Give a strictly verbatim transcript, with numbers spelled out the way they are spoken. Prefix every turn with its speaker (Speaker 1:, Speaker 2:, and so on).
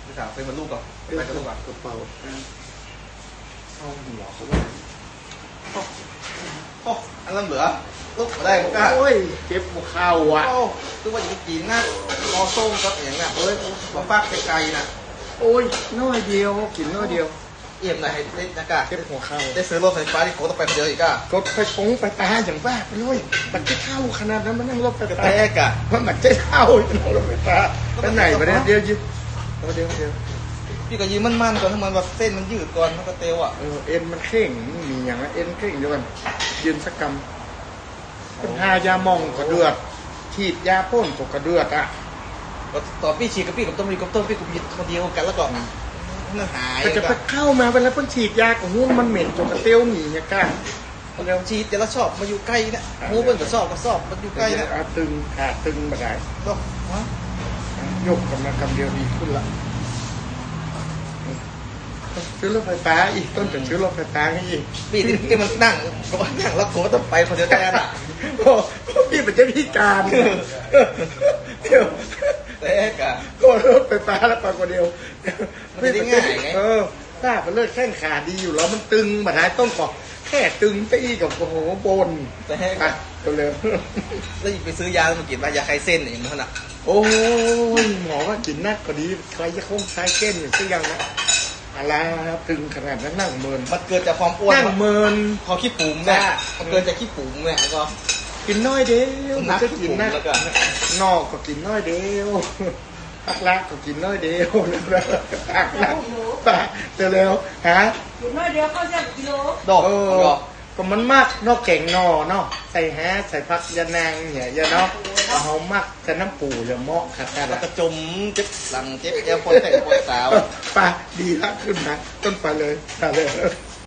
Speaker 1: พี่สาวซื้อมาลูกก่อนไปกับลูกก่อน
Speaker 2: กระเป๋าเอาหัวเขาไว้
Speaker 1: โอ้อันนั้นเหลือลูกมาได้มั้งก้า
Speaker 2: โอ้ยเจ็บหัวเข่าอ่ะ
Speaker 1: โอ้คือว่าอย่างกินนะรอส้มกับอย่างเงี้ยเอ้ยมาฟากไกลๆนะ
Speaker 2: โอ้ยน้อยเดียวกินน้อยเดียว
Speaker 1: เอี่ยมหน่อยให้เล็กนะก้า
Speaker 2: เจ็บหัวเข่า
Speaker 1: ได้ซื้อรถไฟฟ้าที่โคต้องไปคนเดียวอีกก้าก
Speaker 2: ดไปปงไปตาอย่างบ้าไปเลยมันจะเข้าขนาดนั้นมันนั่งรถไฟ
Speaker 1: กระ
Speaker 2: ฟ้า
Speaker 1: แทกอ่ะ
Speaker 2: เพราะมันจะเข้านั่งรถไฟฟ้าไปไหนไปเนี่ยเดียวยิเดี๋ยวเดียวเดียว
Speaker 1: พี่ก็ยืมมันๆก่อนถ้ามันแบบเส้นมันยืดก่อนมันก็เตวอ่ะ
Speaker 2: เออเอ็นมันเข่งมีอย่างนั้นเอ็นเข่งเดียวกันยืนสักกำเป็นหายามองกระเดือดฉีดยาพ่นตกกระเดือดอ่ะ
Speaker 1: ต่อพี่ฉีดกับพี่กับต้มมีกับต้มพี่กับหยิบคนเดียวกันแล้วก็มันหาย
Speaker 2: แต่จะไปเข้ามาเวลาเพิ่งฉีดยาของหุ้นมันเหม็นจนกระเตี้ยวหนีเนี่ยก้า
Speaker 1: เราฉีดแต่ละชอบมาอยู่ใกล้นะหูเปิ้ลก็ชอบก็ชอบมันอยู่ใกล้นะ
Speaker 2: อาตึงขาตึงมาได้
Speaker 1: ก็ฮะ
Speaker 2: ยกกันมากำเดียวดีขึ้นละซื้อรถไฟฟ้าอีกต้นเป็นซื้อรถไฟฟ้าให้อีก
Speaker 1: พี่ที่มันนั่งก็นั่งแล้วโค้ต้องไปคนเดียวแทนอ่ะ
Speaker 2: โอ้พี่เป็นเจ้าพิการเดี๋ยว
Speaker 1: แต่กะ
Speaker 2: ก็รถไฟฟ้าแล้วไปคนเดียว
Speaker 1: มันจะได้ง่ายไง
Speaker 2: เออถ้าเป็นเลือดแข้งขาดีอยู่แล้วมันตึงมาได้ต้นก่อแค่ตึงไปอีกกับโอ้โหบน
Speaker 1: แต่
Speaker 2: ไป
Speaker 1: กะ
Speaker 2: ตัวเร็ว
Speaker 1: แล้วไปซื้อยามากินมายาคลายเส้นอย่างนั้นอ่ะ
Speaker 2: โอ้ยหมอว่ากินนักกว่านี้ใครจะคงใช้เก้นอยู่สักอย่างนะอะไรครับตึงขนาดนั้นนั่งเมิน
Speaker 1: มันเกิดจากความอ้วน
Speaker 2: นั่งเมิน
Speaker 1: พอขี้ปุ๋มเนี่ยมันเกิดจากขี้ปุ๋มเนี่ยแล้วก็
Speaker 2: กินน้อยเดียว
Speaker 1: นัก
Speaker 2: จะ
Speaker 1: ขี้
Speaker 2: กิน
Speaker 1: ปุ๋ม
Speaker 2: นะ
Speaker 1: แล้วก็
Speaker 2: นอกก็กินน้อยเดียวพักรักก็กินน้อยเดียวนะพักรักปะเร็วๆฮะ
Speaker 3: กินน้อยเดียวเข้าเส้นกิโล
Speaker 1: ดอก
Speaker 2: เออ
Speaker 1: ดอก
Speaker 2: ก็มันมากนอกแก่งนอเนาะใส่แฮะใส่พักยานางเนี่ยยาเนาะเอาเขามักจะน้ำปูอย่าเหมาะขัดกัน
Speaker 1: แล้ว
Speaker 2: ละ
Speaker 1: ก็จมเจ็บหลังเจ็บแอวปวดแต่ปวดสาว
Speaker 2: ปะดีละขึ้นนะต้นไปเลยไปเลย